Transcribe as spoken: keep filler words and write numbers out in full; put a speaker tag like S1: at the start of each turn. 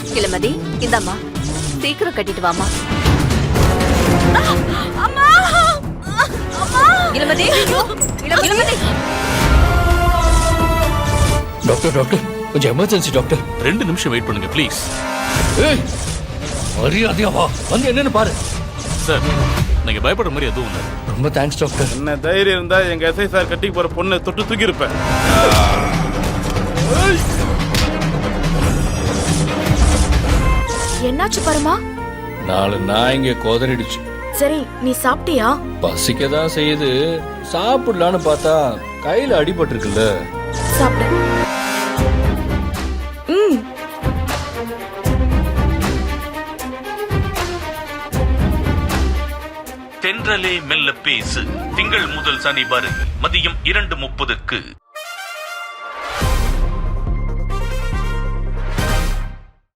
S1: இளமதி இந்தம்மா சீக்கிரம் கட்டிட்டு வாமா. இளமதி இளமதி
S2: டாக்டர் டாக்டர் கொஞ்சம் எமர்ஜென்சி டாக்டர்.
S3: ரெண்டு நிமிஷம் வெயிட் பண்ணுங்க ப்ளீஸ்.
S2: ஏய் மரியாதையா வா, வந்து என்னன்னு பாரு.
S3: சார் நீங்க பயப்படுற மாதிரி எதுவும் இல்லை.
S2: ரொம்ப தேங்க்ஸ் டாக்டர்.
S4: என்ன தைரியம் இருந்தா எங்க எஸ்ஐ சார் கட்டிக்கு போற பொண்ணை தொட்டு தூக்கி இருப்பேன்.
S5: என்னாச்சு பரமா?
S2: நாலு நாய்ங்க கோதறிடுச்சு.
S5: சரி நீ சாப்பிட்டியா?
S2: பசிக்கதான் செய்யுது, சாப்பிடலான்னு பார்த்தா கையில அடிபட்டு இருக்குல்ல.
S5: சாப்பிடு. ம்.
S6: தென்றலே மெல்ல பேசு திங்கள் முதல் சனி வரை மதியம் இரண்டு முப்பதுக்கு.